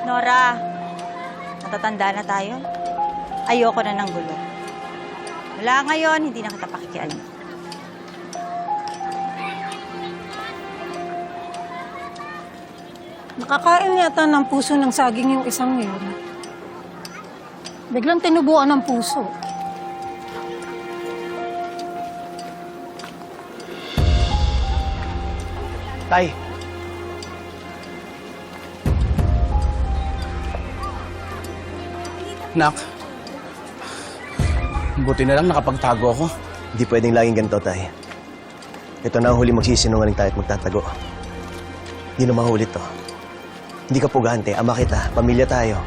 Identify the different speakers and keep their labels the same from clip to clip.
Speaker 1: Nora, natatanda na tayo. Ayoko na ng gulo. Wala ngayon, hindi na kita pakikialam.
Speaker 2: Nakakain yata ng puso ng saging yung isang yun. Biglang tinubuan ng puso.
Speaker 3: Tay. Nak. Buti na lang nakapagtago ako.
Speaker 4: Hindi pwedeng laging ganito, Tay. Ito na ang huli magsisinungaling tayo at magtatago. Hindi na mahulit to. Hindi ka pugante, ama kita, pamilya tayo.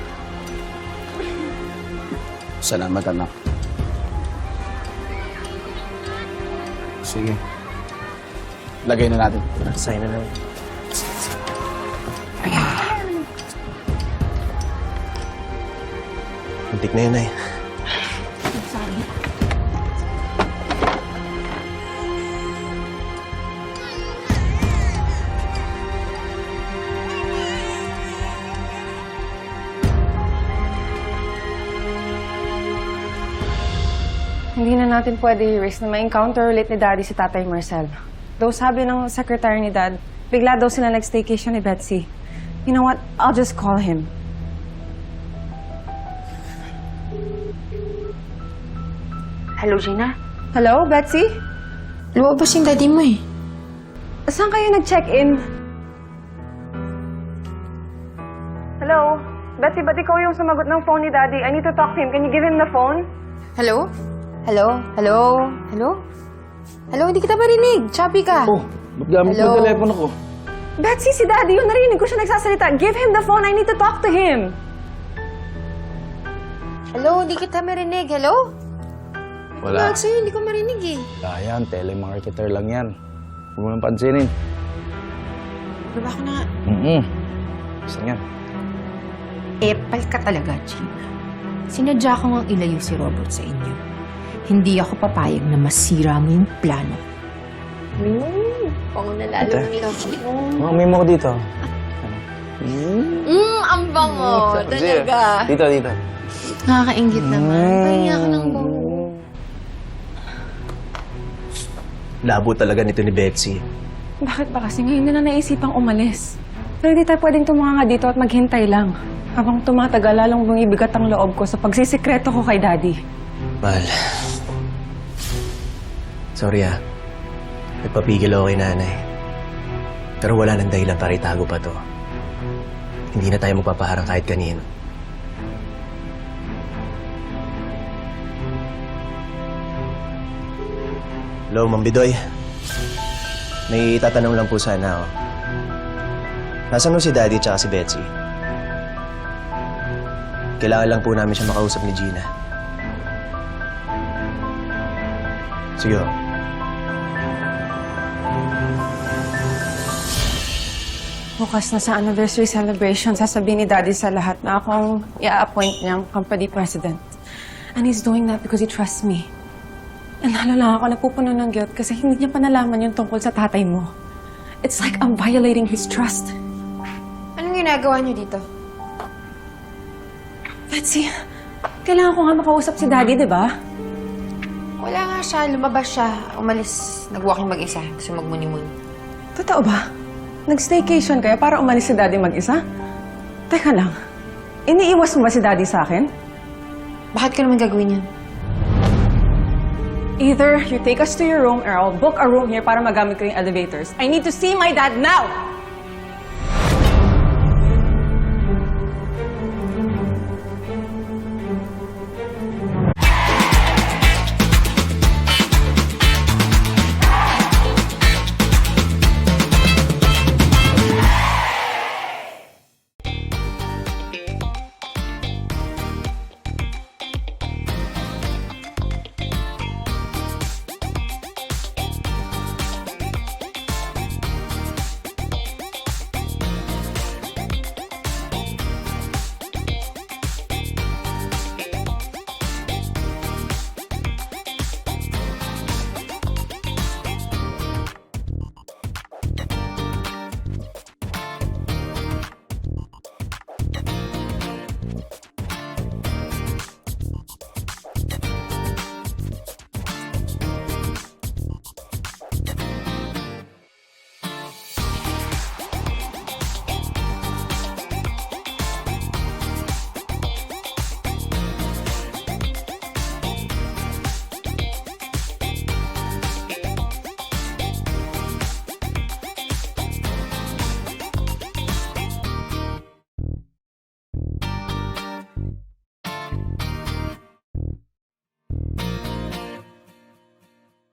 Speaker 3: Salamat, anak. Sige. Lagay na natin.
Speaker 4: Sign na lang. Muntik na yun, Ay.
Speaker 5: Hindi na natin pwede i-risk na ma-encounter ulit ni Daddy si Tatay Marcel. Though sabi ng secretary ni Dad, bigla daw sila nag-staycation ni Betsy. You know what? I'll just call him.
Speaker 6: Hello, Gina?
Speaker 5: Hello, Betsy?
Speaker 6: Lumabas yung daddy mo eh.
Speaker 5: Saan kayo nag-check-in? Hello? Betsy, ba't ikaw yung sumagot ng phone ni Daddy? I need to talk to him. Can you give him the phone?
Speaker 6: Hello? Hello? Hello? Hello? Hello, hindi kita marinig. Choppy ka.
Speaker 3: Oh, ba't gamit
Speaker 6: Hello?
Speaker 3: mo telepono ko?
Speaker 5: Betsy, si Daddy yung narinig ko siya nagsasalita. Give him the phone. I need to talk to him.
Speaker 6: Hello, hindi kita marinig. Hello?
Speaker 3: Wala.
Speaker 6: Tawag sa'yo, hindi ko marinig eh.
Speaker 3: Wala yan, telemarketer lang yan. Huwag mo nang pansinin.
Speaker 6: Baba ko na nga.
Speaker 3: Saan yan?
Speaker 6: Epal ka talaga, Gina. Sinadya ko ngang ilayo si Robert sa inyo. Hindi ako papayag na masira mo yung plano. Pango na lalo
Speaker 3: Ate?
Speaker 6: ng love mo.
Speaker 3: Oh, may mo ko dito.
Speaker 6: Ang bango. Talaga.
Speaker 3: Dito, dito.
Speaker 6: Nakakaingit naman. Pahinga ka ng bango.
Speaker 4: Labo talaga nito ni Betsy.
Speaker 5: Bakit ba kasi ngayon na naisipang umalis? Pero hindi tayo pwedeng tumanga dito at maghintay lang. Habang tumatagal, lalong bumibigat ang loob ko sa pagsisikreto ko kay Daddy.
Speaker 4: Mahal. Sorry Nagpapigil ako kay nanay. Pero wala nang dahilan para itago pa to. Hindi na tayo magpapaharang kahit kanino. Hello, Ma'am Bidoy. May tatanong lang po sana ako. Nasaan mo si Daddy at si Betsy? Kailangan lang po namin siya makausap ni Gina. Sige ho.
Speaker 5: Bukas na sa anniversary celebration, sasabihin ni Daddy sa lahat na akong i-appoint niyang company president. And he's doing that because he trusts me. And lalo lang ako napupuno ng guilt kasi hindi niya pa nalaman yung tungkol sa tatay mo. It's like I'm violating his trust.
Speaker 6: Anong ginagawa niyo dito?
Speaker 5: Betsy, kailangan ko nga makausap si Daddy, di ba?
Speaker 6: Wala nga siya. Lumabas siya. Umalis. Nag-walking mag-isa. Gusto magmuni-muni.
Speaker 5: Totoo ba? Nag-staycation kayo para umalis si Daddy mag-isa? Teka lang, iniiwas mo ba si Daddy sa akin?
Speaker 6: Bakit ka naman gagawin yan?
Speaker 5: Either you take us to your room or I'll book a room here para magamit ko yung elevators. I need to see my dad now!